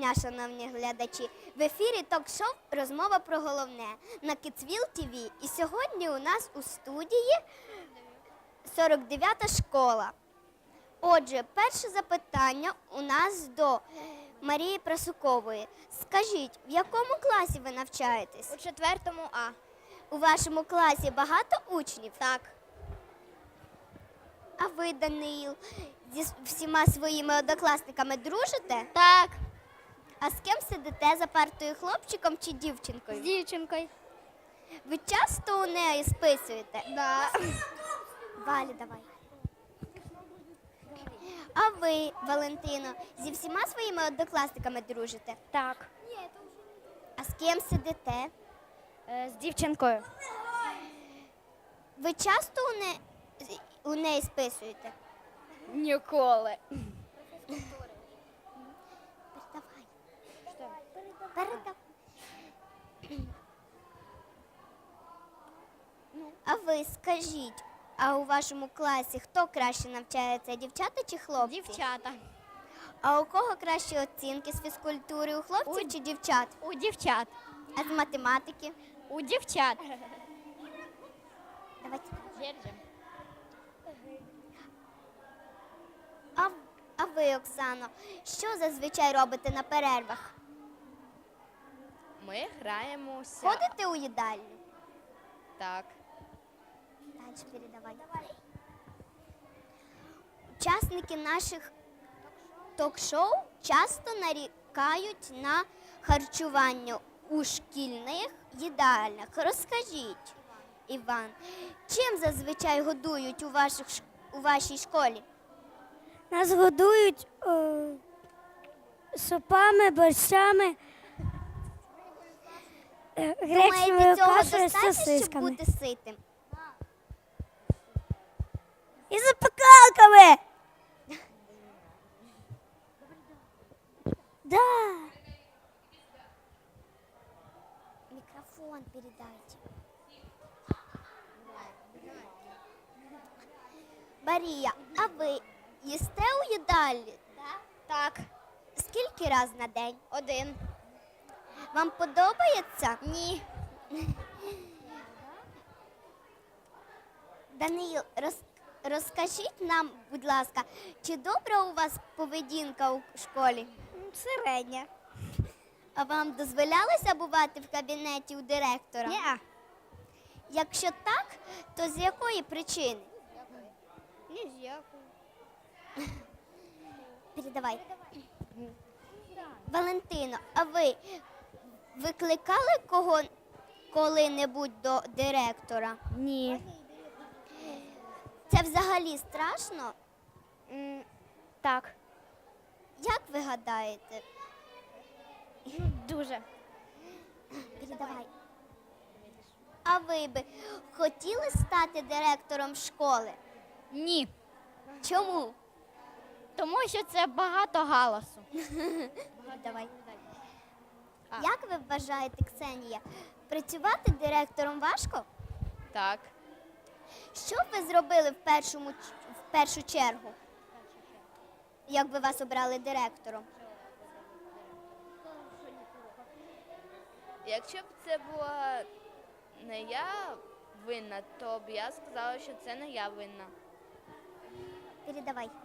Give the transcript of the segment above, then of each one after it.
дня, шановні глядачі! В ефірі ток-шоу «Розмова про головне» на Kidsville TV. І сьогодні у нас у студії 49-та школа. Отже, перше запитання у нас до Марії Прасукової. Скажіть, в якому класі ви навчаєтесь? У 4 А. У вашому класі багато учнів? Так. А ви, Даниїл, зі всіма своїми однокласниками дружите? Так. А з ким сидите за партою, хлопчиком чи З дівчинкою? дівчинкою. Ви часто у неї списуєте? Да. Валя, давай. А ви, Валентино, зі всіма своїми однокласниками дружите? Так. А з ким сидите? З дівчинкою. Ви часто у неї списуєте? Ніколи. Передавай. А ви скажіть, а у вашому класі хто краще навчається, дівчата чи хлопці? Дівчата. А у кого кращі оцінки з фізкультури, у хлопців чи дівчат? У дівчат. А з математики? У дівчат. Давайте. Держим. А ви, Оксано, що зазвичай робите на перервах? Ми граємося. Ходите у їдальню? Так. Дальше передавай. Учасники наших ток-шоу часто нарікають на харчування у шкільних їдальнях. Розкажіть, Іван, чим зазвичай годують у вашій школі? Нас годують супами, борщами, гречневою Думаєте, цього кашею з достатньо, щоб сосисками. бути ситим? І запекалками. Да. Микрофон передайте. Марія, а ви їсте у їдальні? Так. Скільки раз на день? 1. Вам подобається? Ні. Даниїл, розкажіть нам, будь ласка, чи добра у вас поведінка у школі? Середня. А вам дозволялося бувати в кабінеті у директора? Ні. Якщо так, то з якої причини? Ні з якої. Передавай. Валентино, а ви викликали коли-небудь до директора? Ні. Це взагалі страшно? Так. Як ви гадаєте? Дуже. Передавай. А ви би хотіли стати директором школи? Ні. Чому? Тому що це багато галасу. Давай. Як ви вважаєте, Ксенія, працювати директором важко? Так. Що б ви зробили в першу чергу, як би вас обрали директором? Якщо б це була не я винна, то б я сказала, що це не я винна. Передавай.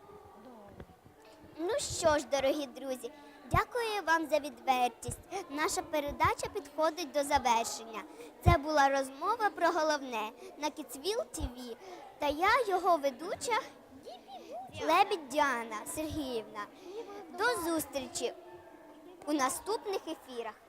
Ну що ж, дорогі друзі, дякую вам за відвертість. Наша передача підходить до завершення. Це була розмова про головне на Kidsville TV. Та я, його ведуча, Лебідь Діана Сергіївна. До зустрічі у наступних ефірах.